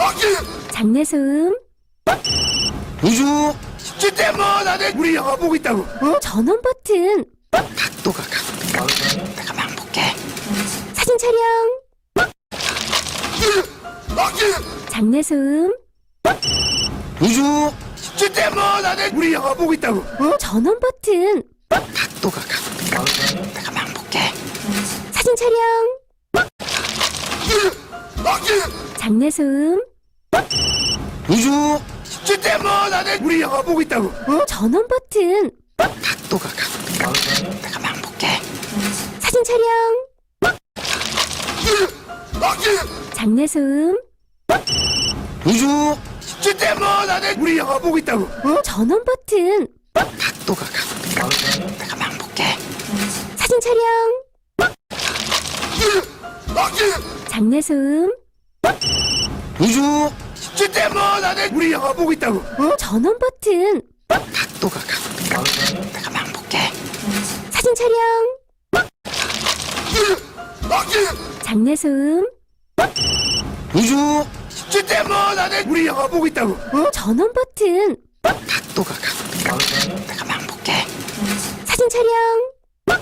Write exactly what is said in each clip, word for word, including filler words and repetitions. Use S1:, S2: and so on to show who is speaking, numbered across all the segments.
S1: 장내 소음.
S2: 우주 때문에 안에 우리 영화 보고 있다고. 어?
S1: 전원 버튼.
S2: 각도가 각도가 내가 막 볼게.
S1: 사진 촬영. 장내 소음.
S2: 우주 때문에 안에 우리 영화 보고 있다고. 어?
S1: 전원 버튼.
S2: 각도가 각도가 내가 막 볼게.
S1: 사진 촬영. 장내 소음.
S2: 우주 때문에 안에 우리 영화 보고 있다고. 어?
S1: 전원 버튼.
S2: 각도가 각도가 내가 막 볼게.
S1: 사진 촬영. 장내 소음.
S2: 우주 때문에 안에 우리 영화 보고 있다고. 어?
S1: 전원 버튼.
S2: 각도가 각도가 내가 막 볼게.
S1: 사진 촬영. 장내 소음.
S2: 우주 때문에 안에 우리 영화 보고 있다고. 어?
S1: 전원 버튼.
S2: 각도가 각도가 내가 막 볼게.
S1: 사진 촬영. 장내 소음.
S2: 우주 때문에 안에 우리 영화 보고 있다고. 어?
S1: 전원 버튼.
S2: 각도가 각도가 내가 막 볼게.
S1: 사진 촬영.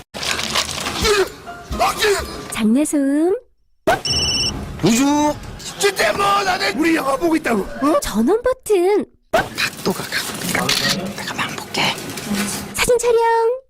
S1: 장내 소음.
S2: 우주 때문에 안에 우리 영화 보고 있다고. 어?
S1: 전원 버튼.
S2: 각도가 각도가 내가 막 볼게.
S1: 사진 촬영.